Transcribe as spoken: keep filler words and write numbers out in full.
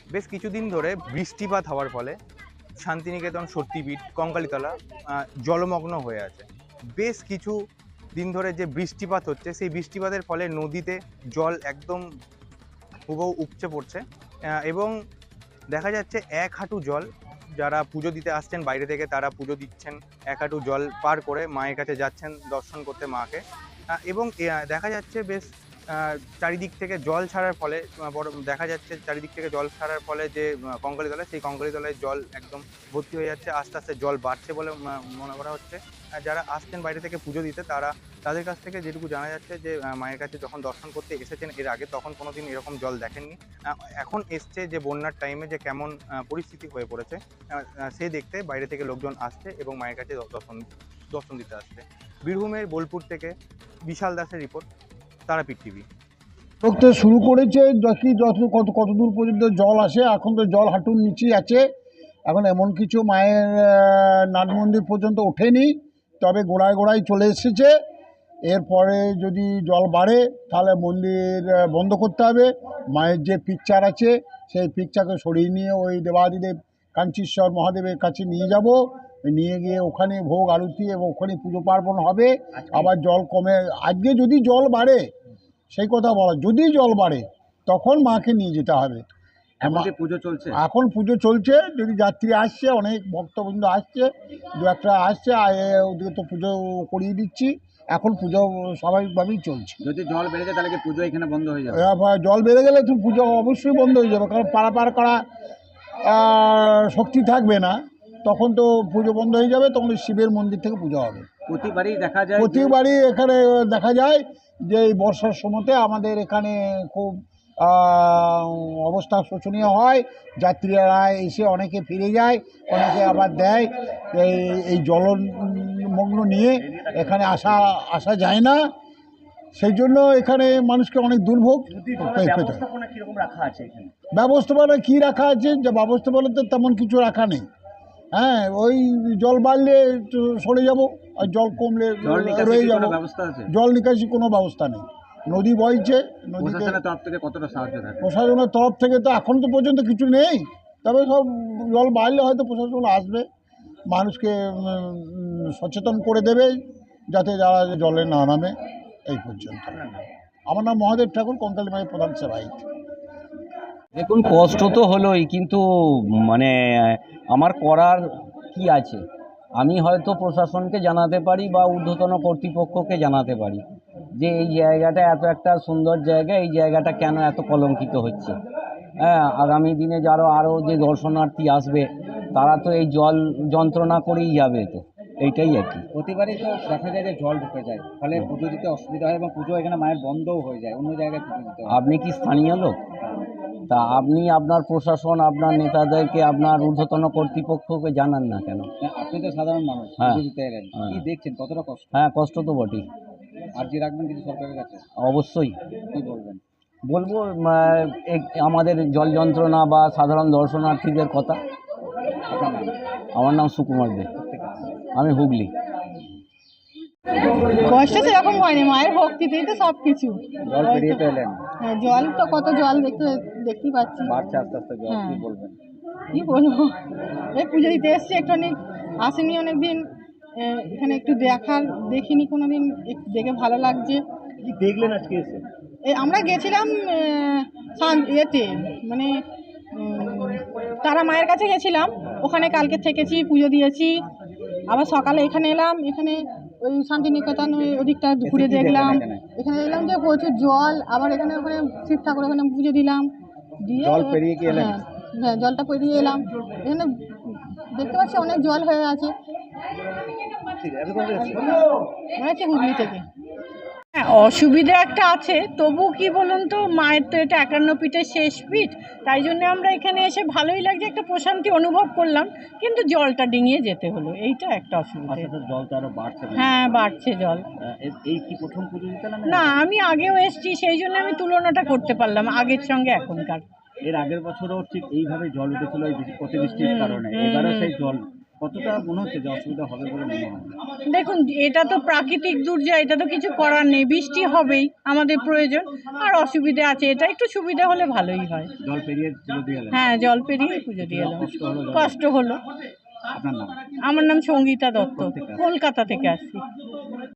বেশ কিছুদিন ধরে বৃষ্টিপাত হওয়ার ফলে শান্তিনিকেতন, সত্যিপীঠ, কঙ্কালীতলা আহ, জলমগ্ন হয়ে আছে। বেশ কিছু দিন ধরে যে বৃষ্টিপাত হচ্ছে, সেই বৃষ্টিপাতের ফলে নদীতে জল একদম হুবহু উপচে পড়ছে। আহ, এবং দেখা যাচ্ছে এক হাঁটু জল। যারা পুজো দিতে আসছেন বাইরে থেকে, তারা পুজো দিচ্ছেন, এক হাঁটু জল পার করে মায়ের কাছে যাচ্ছেন দর্শন করতে মাকে। আহ, এবং আহ, দেখা যাচ্ছে বেশ আহ, চারিদিক থেকে জল ছাড়ার ফলে আহ, বড় দেখা যাচ্ছে চারিদিক থেকে জল ছাড়ার ফলে যে আহ, কঙ্কালীতলায়, সেই কঙ্কালীতলায় জল একদম ভর্তি হয়ে যাচ্ছে। আস্তে আস্তে জল বাড়ছে বলে ম- মনে করা হচ্ছে। আর যারা আসছেন বাইরে থেকে পুজো দিতে, তারা তাদের কাছ থেকে যেটুকু জানা যাচ্ছে যে আহ, মায়ের কাছে যখন দর্শন করতে এসেছেন এর আগে, তখন কোনোদিন এরকম জল দেখেননি। আহ, এখন এসছে যে বন্যার টাইমে যে কেমন আহ, পরিস্থিতি হয়ে পড়েছে, আহ, আহ, সে দেখতে বাইরে থেকে লোকজন আসছে এবং মায়ের কাছে দ- দর্শন দর্শন দিতে আসছে। বীরভূমের বোলপুর থেকে বিশাল দাসের রিপোর্ট, তারাপীঠ টিভি। করতে শুরু করেছে, দেখি যত কত কত দূর পর্যন্ত জল আসে। এখন তো জল হাঁটুর নিচেই আছে। এখন এমন কিছু মায়ের আহ, নাট মন্দির পর্যন্ত ওঠেনি, তবে গোড়ায় গোড়ায় চলে এসেছে। এরপরে যদি জল বাড়ে তাহলে মন্দির আহ, বন্ধ করতে হবে। মায়ের যে পিকচার আছে সেই পিকচারকে সরিয়ে নিয়ে ওই দেবাদিদেব কাঞ্চীশ্বর মহাদেবের কাছে নিয়ে যাব। নিয়ে গিয়ে ওখানে ভোগ আরতি এবং ওখানে পুজো পার্বণ হবে। আবার জল কমে, আজকে যদি জল বাড়ে, সেই কথা বলা, যদি জল বাড়ে তখন মাকে নিয়ে যেতে হবে। এখন কি পুজো চলছে? এখন পুজো চলছে, যদি যাত্রী আসছে, অনেক ভক্তবৃন্দ আসছে, দু একটা আসছে, আর এ- ওদিকে তো পুজো করিয়ে দিচ্ছি। এখন পুজো স্বাভাবিকভাবেই চলছে। যদি জল বেড়ে যায় তাহলে কি পুজো এখানে বন্ধ হয়ে যাবে? এবার জল বেড়ে গেলে তো পুজো অবশ্যই বন্ধ হয়ে যাবে, কারণ পারাপার করা আহ, শক্তি থাকবে না। তখন তো পুজো বন্ধ হয়ে যাবে, তখন শিবের মন্দির থেকে পুজো হবে। প্রতিবারই দেখা যায় যে প্রতিবারই এখানে দেখা যায় যে এই বর্ষার সময়তে আমাদের এখানে খুব আহ, অবস্থা শোচনীয় হয়। যাত্রীরা এসে অনেকে ফিরে যায়, অনেকে আবার দেয়। এই এই জলমগ্ন নিয়ে এখানে আসা আসা যায় না, সেই জন্য এখানে মানুষকে অনেক দুর্ভোগ পেতে হয়। কিরকম রাখা আছে এখানে? ব্যবস্থাপনা কী রাখা আছে, যে ব্যবস্থাপনা তো তেমন কিছু রাখা নেই। হ্যাঁ, ওই জল বাড়লে একটু সরে যাব, আর জল কমলে জল নিকাশি রয়ে কি যাব। কোনো ব্যবস্থা আছে? জল নিকাশি কোনো ব্যবস্থা নেই, নদী বইছে। নদীতে প্রশাসনের তরফ থেকে কতটা সাহায্য থাকে? প্রশাসনের তরফ থেকে তো এখন তো পর্যন্ত কিছু নেই, তবে সব জল বাড়লে হয়তো প্রশাসন আসবে, মানুষকে উম, সচেতন করে দেবে যাতে যারা জলে না নামে। এই পর্যন্ত। আমার নাম মহাদেব ঠাকুর, কঙ্কালী মায়ের প্রধান সেবায়িত। দেখুন, কষ্ট তো হলোই, কিন্তু মানে আমার করার কি আছে? আমি হয়তো প্রশাসনকে জানাতে পারি বা ঊর্ধ্বতন কর্তৃপক্ষকে জানাতে পারি যে এই জায়গাটা এত একটা সুন্দর জায়গা, এই জায়গাটা কেন এত কলঙ্কিত হচ্ছে। হ্যাঁ, আগামী দিনে যারা আরও যে দর্শনার্থী আসবে, তারা তো এই জল যন্ত্রণা করেই যাবে, তো এইটাই আর কি। প্রতিবারই তো দেখা যায় যে জল ঢুকে যায়, ফলে পুজো দিতে অসুবিধা হয় এবং পুজো এখানে মায়ের বন্ধও হয়ে যায়, অন্য জায়গায় পুজো দিতে হয়। আপনি কি স্থানীয় লোক? তা আপনি আপনার প্রশাসন, আপনার নেতাদেরকে, আপনার ঊর্ধ্বতন কর্তৃপক্ষকে জানান না কেন? আপনি তো সাধারণ মানুষ, হ্যাঁ। পুজো দিতে এলেন, হ্যাঁ। কি দেখছেন, কতটা কষ্ট? হ্যাঁ, কষ্ট তো বটেই। আর যে রাখবেন কিছু সরকারের কাছে অবশ্যই কি বলবেন? বলবো, উম, এক- আমাদের জল যন্ত্রণা বা সাধারণ দর্শনার্থীদের কথা। আপনার নাম? আমার নাম সুকুমার দে, আমি হুগলি। কষ্ট সেরকম হয়নি, মায়ের ভক্তিতেই তো সব কিছু। জল পেরিয়ে তো এলেন, হ্যাঁ, জল তো কত জল দেখতে দেখতেই পাচ্ছি। বাড়ছে আস্তে আস্তে জল, হ্যাঁ। কি বলবেন? কি বলবো, এই পুজো দিতে এসছি, একটুখানি আসিনি অনেক দিন, এখানে একটু দেখার, দেখিনি কোনো দিন, একটু দেখে ভালো লাগছে। কি দেখলেন আজকে এসে? এই আমরা গেছিলাম আহ, শান- ইয়েতে মানে উম, তারা মায়ের কাছে গেছিলাম, ওখানে কালকে থেকেছি, পুজো দিয়েছি। আবার সকালে এখানে এলাম, এখানে ওই শান্তিনিকেতন ওই ওদিকটা ঘুরে কি দেখলেন দেখলাম। এখানে? এখানে দেখলাম যে প্রচুর জল, আবার এখানে ওখানে শিব ঠাকুর, ওখানে পুজো দিলাম, দিয়ে জল পেরিয়ে কি এলেন? হ্যাঁ, হ্যাঁ, জলটা পেরিয়ে এলাম। এখানে দেখতে পাচ্ছি অনেক জল হয়ে আছে, মনে হচ্ছে হুগলি থেকে। হ্যাঁ, অসুবিধা একটা আছে, তবু কি বলুন তো, মায়ের তো এটা একান্ন পীঠের শেষ পীঠ, তাই জন্য আমরা এখানে এসে ভালোই লাগছে, একটা প্রশান্তি অনুভব করলাম, কিন্তু জলটা ডিঙিয়ে যেতে হলো, এইটা একটা অসুবিধা। জল তো আরো বাড়ছে। হ্যাঁ, বাড়ছে জল। এই কি প্রথম পুজো দিতে এলেন? না, আমি আগেও এসেছি, সেই জন্য আমি তুলনাটা করতে পারলাম আগের সঙ্গে এখনকার। এর আগের বছরও ঠিক এইভাবে জল উঠেছিল এই বৃষ্টি- অতিবৃষ্টির হুম, কারণে, হুম, এবারে হুম। সেই জল কতটা মনে হচ্ছে যে অসুবিধা হবে বলে মনে হয়? দেখুন, এটা তো প্রাকৃতিক দুর্যোগ, এটা তো কিছু করার নেই, বৃষ্টি হবেই, আমাদের প্রয়োজন। আর অসুবিধা আছে, এটা একটু সুবিধা হলে ভালোই হয়। জল পেরিয়ে পুজো দিয়ে এলেন, হ্যাঁ, জল পেরিয়ে পুজো দিয়ে এলাম। কষ্ট হলো জল? কষ্ট হলো। আপনার নাম? আমার নাম সঙ্গীতা দত্ত, কোথা থেকে আসছেন? কলকাতা থেকে আসছি।